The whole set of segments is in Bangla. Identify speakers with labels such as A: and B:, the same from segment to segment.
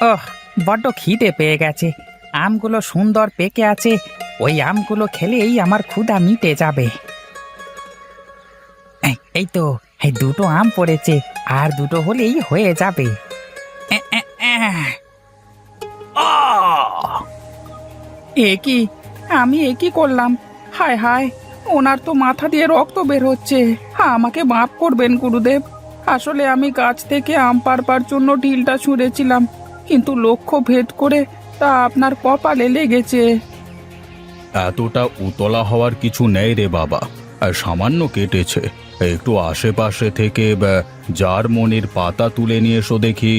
A: ওহ, বড্ড খিদে পেয়ে গেছে। আমগুলো সুন্দর পেকে আছে। ওই আমগুলো খেলেই আমার ক্ষুধা মিটে যাবে। এই তো, এই দুটো আম পড়েছে, আর দুটো হলেই হয়ে যাবে। এ, এ, এ। আহ! আমি কি করলাম? হায় হায়, ওনার তো মাথা দিয়ে রক্ত বের হচ্ছে। আমাকে মাফ করবেন গুরুদেব। আসলে আমি গাছ থেকে আম পাড়বার জন্য ঢিলটা ছুঁড়েছিলাম, কিন্তু লক্ষ্য ভেদ করে তা আপনার কপালে লেগেছে।
B: এতটা উতলা হওয়ার কিছু নেই রে বাবা। সামান্য কেটেছে। একটু আশেপাশে থেকে জারমনির পাতা তুলে নিয়ে এসো দেখি।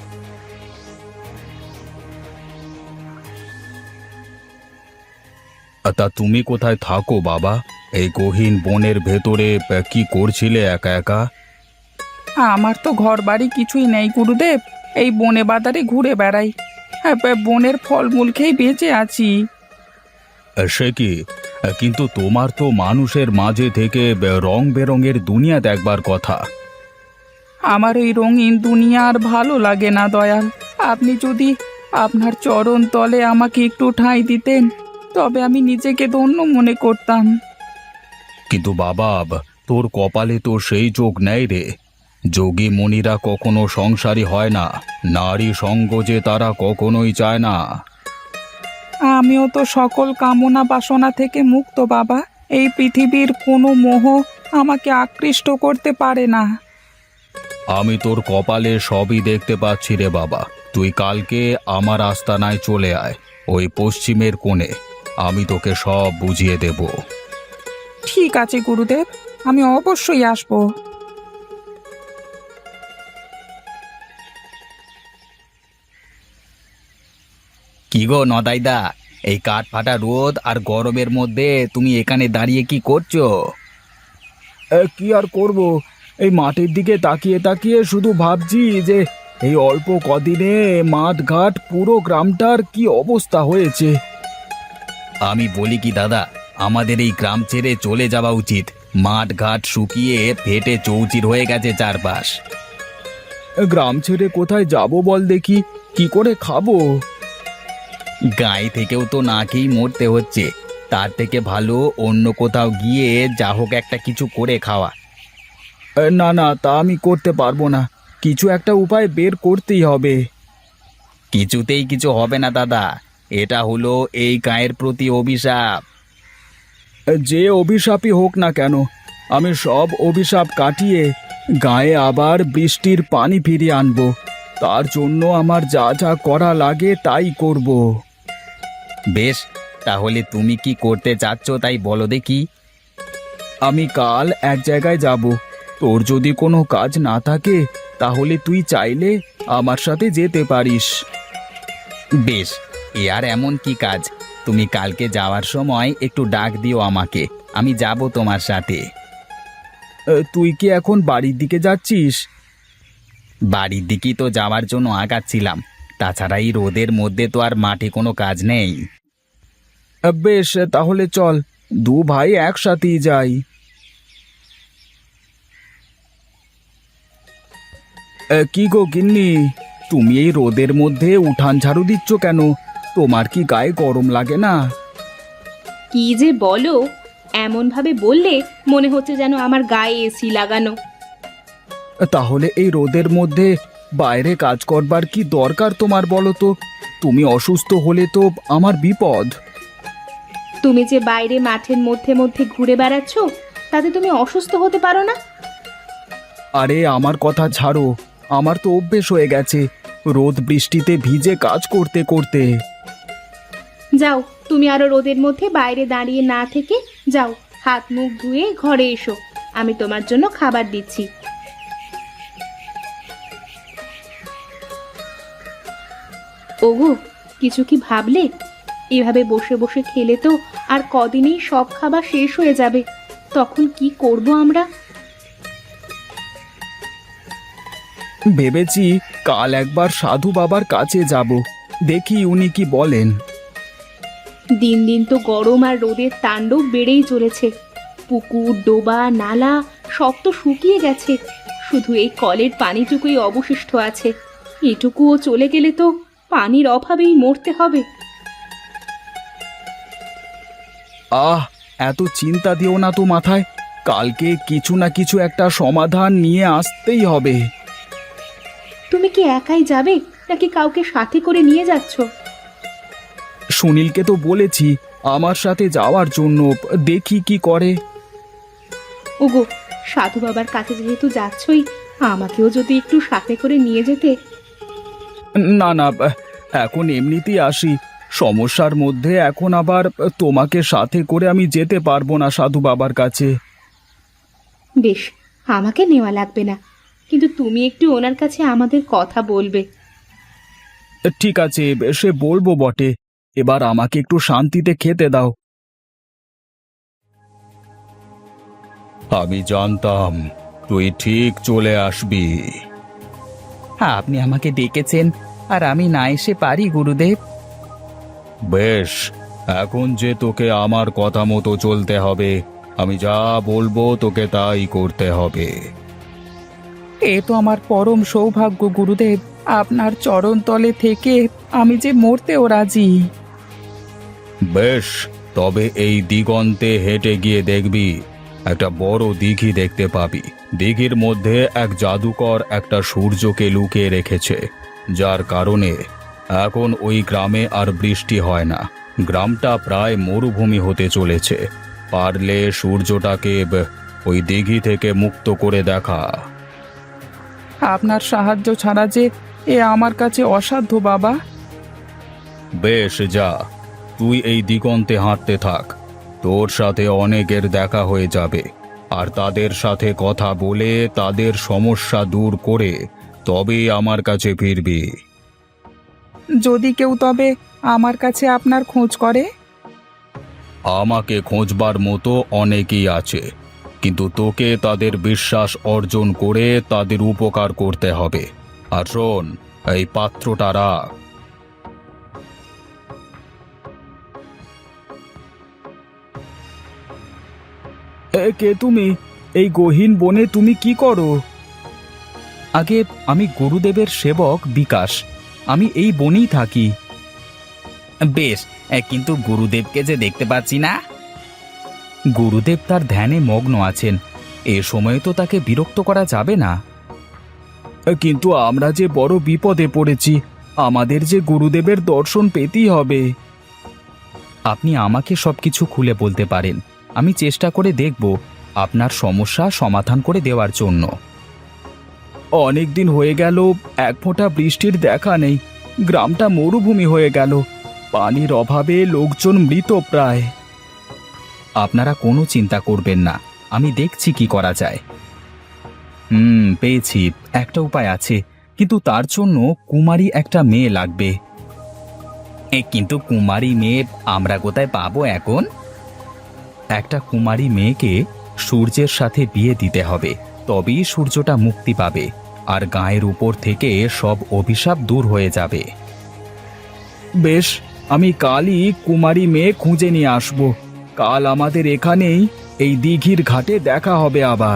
B: তা তুমি কোথায় থাকো বাবা? এই গহীন বনের ভেতরে কি করছিলে একা একা?
A: আমার তো ঘর বাড়ি কিছুই নেই গুরুদেব। এই বনে বাদারে ঘুরে বেড়াই। বনের ফলমূল খেয়ে বেঁচে আছি।
B: সে কি? কিন্তু তোমার তো মানুষের মাঝে থেকে রং বেরঙের দুনিয়া দেখবার কথা।
A: আমার এই রঙিন দুনিয়া আর ভালো লাগে না দয়াল। আপনি যদি আপনার চরণ তলে আমাকে একটু ঠাঁই দিতেন, তবে আমি নিজেকে ধন্য মনে করতাম।
B: কিন্তু বাবা, তোর কপালে তো সেই যোগ নেই রে। যোগী মুনিরা কখনো সংসারী হয় না। নারী সঙ্গ যে তারা কখনোই চায় না।
A: আমিও তো সকল কামনা বাসনা থেকে মুক্ত বাবা। এই পৃথিবীর কোনো মোহ আমাকে আকৃষ্ট করতে পারে না।
B: আমি তোর কপালে সবই দেখতে পাচ্ছি রে বাবা। তুই কালকে আমার আস্তানায় চলে আয়, ওই পশ্চিমের কোণে। আমি তোকে সব বুঝিয়ে দেব।
A: ঠিক আছে গুরুদেব, আমি অবশ্যই আসবো।
C: কি গো নদাইদা, এই কাঠ ফাটা রোদ আর গরমের মধ্যে তুমি এখানে দাঁড়িয়ে কি করছো?
B: কি আর করব, এই মাঠের দিকে তাকিয়ে তাকিয়ে শুধু ভাবছি যে এই অল্প কদিনে মাঠ ঘাট পুরো গ্রামটার কি অবস্থা হয়েছে।
C: আমি বলি কি দাদা, আমাদের এই গ্রাম ছেড়ে চলে যাওয়া উচিত। মাঠ ঘাট শুকিয়ে ফেটে চৌচির হয়ে গেছে চারপাশ।
B: গ্রাম ছেড়ে কোথায় যাব বল দেখি, কি করে খাবো?
C: গায়ে থেকেও তো না খেয়েই মরতে হচ্ছে। তার থেকে ভালো অন্য কোথাও গিয়ে যা হোক একটা কিছু করে খাওয়া।
B: না না, তা আমি করতে পারবো না। কিছু একটা উপায় বের করতেই হবে।
C: কিছুতেই কিছু হবে না দাদা, এটা হলো এই গায়ের প্রতি অভিশাপ।
B: যে অভিশাপই হোক না কেন, আমি সব অভিশাপ কাটিয়ে গায়ে আবার বৃষ্টির পানি ফিরিয়ে আনবো। তার জন্য আমার যা যা করা লাগে তাই করব।
C: বেশ, তাহলে তুমি কি করতে চাচ্ছ তাই বলো দেখি।
B: আমি কাল এক জায়গায় যাব। তোর যদি কোনো কাজ না থাকে তাহলে তুই চাইলে আমার সাথে যেতে পারিস।
C: বেশ, এ আর এমন কি কাজ? তুমি কালকে যাওয়ার সময় একটু ডাক দিও আমাকে, আমি যাব তোমার সাথে।
B: তুই কি এখন বাড়ির দিকে যাচ্ছিস?
C: বাড়ির দিকেই তো যাওয়ার জন্য আগাচ্ছিলাম। তাছাড়া এই রোদের মধ্যে তো আর মাঠে কোনো কাজ নেই।
B: বেশ, তাহলে চল, দু ভাই একসাথেই যাই। কি গো গিন্নি, তুমি এই রোদের মধ্যে উঠান ঝাড়ু দিচ্ছ কেন? তোমার কি গায়ে গরম লাগে না?
D: কি যে বলো, এমন ভাবে বললে মনে হচ্ছে যেন আমার গায়ে এসি লাগানো।
B: তাহলে এই রোদের মধ্যে বাইরে কাজ করবার কি দরকার তোমার বলো তো? তুমি অসুস্থ হলে তো আমার বিপদ।
D: তুমি যে বাইরে মাঠের মধ্যে মধ্যে ঘুরে বেড়াচ্ছ, তাতে তুমি অসুস্থ হতে পারো না?
B: আরে আমার কথা ছাড়ো, আমার তো অভ্যেস হয়ে গেছে রোদ বৃষ্টিতে ভিজে কাজ করতে করতে।
D: যাও, তুমি আরো রোদের মধ্যে বাইরে দাঁড়িয়ে না থেকে যাও, হাত মুখ ধুয়ে ঘরে এসো। আমি তোমার জন্য খাবার দিচ্ছি। ওগো, কিছু কি ভাবলে? এভাবে বসে বসে খেলে তো আর কদিনেই সব খাবার শেষ হয়ে যাবে। তখন কি করব আমরা?
B: ভেবেছি কাল একবার সাধু বাবার কাছে যাব, দেখি উনি কি বলেন।
D: দিন দিন তো গরম আর রোদের তাণ্ডব বেড়েই চলেছে। পুকুর, ডোবা, নালা সব তো শুকিয়ে গেছে। শুধু এই কলের পানিটুকুই অবশিষ্ট আছে। এটুকুও চলে গেলে তো পানির অভাবেই মরতে হবে।
B: আহ, এত চিন্তা দিও না তো মাথায়। কালকে কিছু না কিছু একটা সমাধান নিয়ে আসতেই হবে।
D: তুমি কি একাই যাবে নাকি কাউকে সাথে করে নিয়ে যাচ্ছ?
B: সুনীলকে তো বলেছি আমার সাথে যাওয়ার জন্য, দেখি কি করে।
D: ওগো, সাধু বাবার কাছে যেহেতু যাচ্ছই, আমাকেও যদি একটু সাথে করে নিয়ে যেতে।
B: না না, এখন এমনিতেই আসি। সমস্যার মধ্যে এখন আবার তোমাকে সাথে করে আমি যেতে পারবো না সাধু বাবার কাছে।
D: বেশ, আমাকে নেওয়া লাগবে না, কিন্তু তুমি একটু ওনার কাছে আমাদের কথা বলবে।
B: ঠিক আছে, সে বলবো বটে। এবার আমাকে একটু শান্তিতে খেতে দাও। আমি জানতাম তুই ঠিক চলে আসবি।
A: হ্যাঁ, আপনি আমাকে ডেকেছেন আর আমি না এসে পারি গুরুদেব?
B: বেশ, এখন যে তোকে আমার কথা মতো চলতে হবে। আমি যা বলবো তোকে তাই করতে হবে।
A: এ তো আমার পরম সৌভাগ্য গুরুদেব, আপনার চরণ তলে থেকে আমি যে মরতেও রাজি।
B: বেশ, তবে এই দিগন্তে হেঁটে গিয়ে দেখবি একটা বড় দিঘি দেখতে পাবি। দিঘির মধ্যে এক জাদুকর একটা সূর্যকে লুকিয়ে রেখেছে, যার কারণে এখন ওই গ্রামে আর বৃষ্টি হয় না। গ্রামটা প্রায় মরুভূমি হতে চলেছে। পারলে সূর্যটাকে ওই দিঘি থেকে মুক্ত করে দেখা।
A: আপনার সাহায্য ছাড়া যে এ আমার কাছে অসাধ্য বাবা।
B: বেশ, যা, তুই এই দিগন্তে হাঁটতে থাক। তোর সাথে অনেকের দেখা হয়ে যাবে, আর তাদের সাথে কথা বলে তাদের সমস্যা দূর করে তবেই আমার কাছে ফিরবি।
A: যদি কেউ তবে আমার কাছে আপনার খোঁজ করে?
B: আমাকে খোঁজবার মতো অনেকেই আছে, কিন্তু তোকে তাদের বিশ্বাস অর্জন করে তাদের উপকার করতে হবে। আর শোন, এই পাত্রটা রাখ। কে তুমি? এই গহীন বনে তুমি কি করো?
C: আগে আমি গুরুদেবের সেবক বিকাশ। আমি এই বনেই থাকি। বেশ, কিন্তু গুরুদেবকে যে দেখতে পাচ্ছি না। গুরুদেব তার ধ্যানে মগ্ন আছেন, এ সময়ে তো তাকে বিরক্ত করা যাবে না।
B: কিন্তু আমরা যে বড় বিপদে পড়েছি, আমাদের যে গুরুদেবের দর্শন পেতেই হবে।
C: আপনি আমাকে সবকিছু খুলে বলতে পারেন, আমি চেষ্টা করে দেখব আপনার সমস্যা সমাধান করে দেওয়ার জন্য।
B: অনেক দিন হয়ে গেল এক ফোঁটা বৃষ্টির দেখা নেই। গ্রামটা মরুভূমি হয়ে গেল। পানির অভাবে লোকজন মৃত প্রায়।
C: আপনারা কোনো চিন্তা করবেন না, আমি দেখছি কি করা যায়। পেয়েছি, একটা উপায় আছে, কিন্তু তার জন্য কুমারী একটা মেয়ে লাগবে। কিন্তু কুমারী মেয়ে আমরা কোথায় পাবো এখন? একটা কুমারী মেয়েকে সূর্যের সাথে বিয়ে দিতে হবে, তবেই সূর্যটা মুক্তি পাবে আর গায়ের উপর থেকে সব অভিশাপ দূর হয়ে যাবে।
B: বেশ, আমি কালই কুমারী মেয়ে খুঁজে নিয়ে আসব। কাল আমাদের এখানেই এই দিঘির ঘাটে দেখা হবে আবার।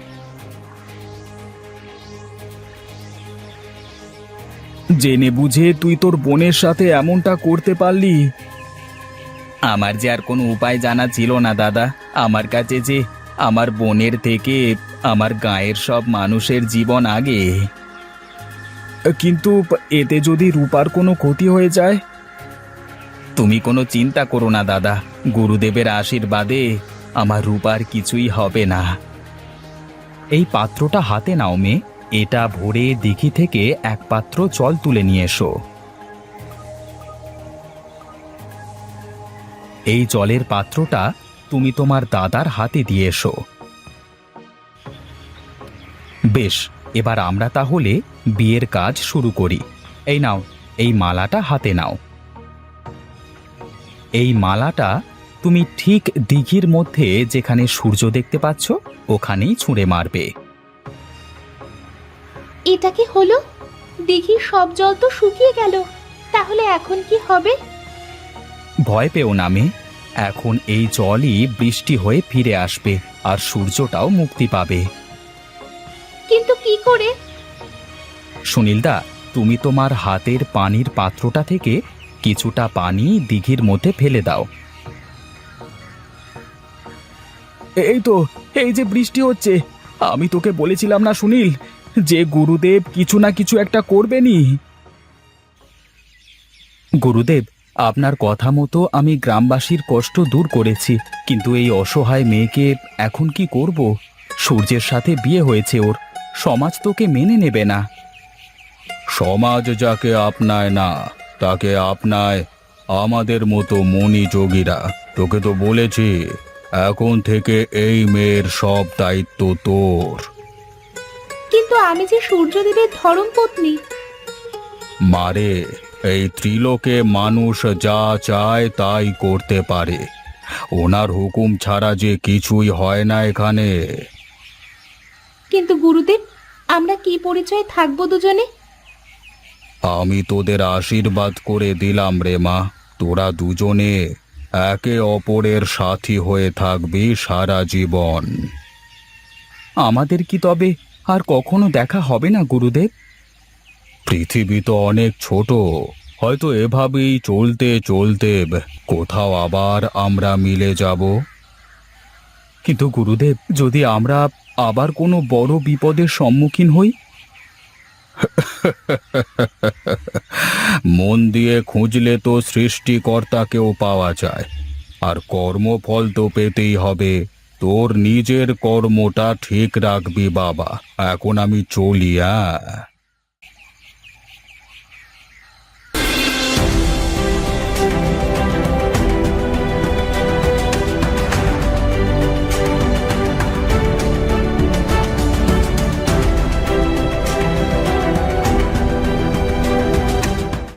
B: জেনে বুঝে তুই তোর বোনের সাথে এমনটা করতে পারলি?
C: আমার যে আর কোনো উপায় জানা ছিল না দাদা। আমার কাছে যে আমার বোনের থেকে আমার গায়ের সব মানুষের জীবন আগে।
B: কিন্তু এতে যদি রূপার কোনো ক্ষতি হয়ে যায়?
C: তুমি কোনো চিন্তা করো না দাদা, গুরুদেবের আশীর্বাদে আমার রূপার কিছুই হবে না। এই পাত্রটা হাতে নাও মেয়ে, এটা ভরে দিঘি থেকে এক পাত্র জল তুলে নিয়ে এসো। এই জলের পাত্রটা তুমি তোমার দাদার হাতে দিয়ে এসো। বেশ, এবার আমরা তাহলে বিয়ের কাজ শুরু করি। এই নাও, এই মালাটা হাতে নাও। এই মালাটা তুমি ঠিক দিঘির মধ্যে যেখানে সূর্য দেখতে পাচ্ছ ওখানেই ছুঁড়ে মারবে।
D: এটা কি হলো? দিঘির সব জল তো শুকিয়ে গেল, তাহলে এখন কি হবে?
C: ভয় পেও না মেয়ে, এখন এই জলই বৃষ্টি হয়ে ফিরে আসবে আর সূর্যটাও মুক্তি পাবে।
D: কিন্তু কি করে?
C: সুনীলদা, তুমি তোমার হাতের পানির পাত্রটা থেকে কিছুটা পানি দিঘির মধ্যে ফেলে দাও।
B: এই তো, এই যে বৃষ্টি হচ্ছে, আমি তোকে বলেছিলাম না সুনীল, যে গুরুদেব কিছু না কিছু একটা করবেনই।
C: গুরুদেব, আপনার কথা মতো আমি গ্রামবাসীর কষ্ট দূর করেছি, কিন্তু এই অসহায় মেয়েকে এখন কি করব? সূর্যের সাথে বিয়ে হয়েছে ওর, সমাজ তোকে মেনে নেবে না।
B: সমাজ যাকে আপনায় না, তাকে আপনায় আমাদের মতো মনি যোগীরা। তোকে তো বলেছি, এখন থেকে এই মেয়ের সব দায়িত্ব তোর।
D: কিন্তু আমি যে সূর্যদেবের ধর্মপত্নী।
B: মারে, এই ত্রিলোকে মানুষ যা চায় তাই করতে পারে, ওনার হুকুম ছাড়া যে কিছুই হয় না এখানে।
D: কিন্তু গুরুদেব, আমরা কি পরিচয়ে থাকবো দুজনে?
B: আমি তোদের আশীর্বাদ করে দিলাম রে মা, তোরা দুজনে একে অপরের সাথী হয়ে থাকবি সারা জীবন।
C: আমাদের কি তবে আর কখনো দেখা হবে না গুরুদেব?
B: পৃথিবী তো অনেক ছোট, হয়তো এভাবেই চলতে চলতে কোথাও আবার আমরা মিলে যাব।
C: কিন্তু গুরুদেব, যদি আমরা আবার কোনো বড় বিপদের সম্মুখীন হই?
B: মন দিয়ে খুঁজলে তো সৃষ্টিকর্তাকেও পাওয়া যায়, আর কর্মফল তো পেতেই হবে। তোর নিজের কর্মটা ঠিক রাখবি বাবা। এখন আমি চলি।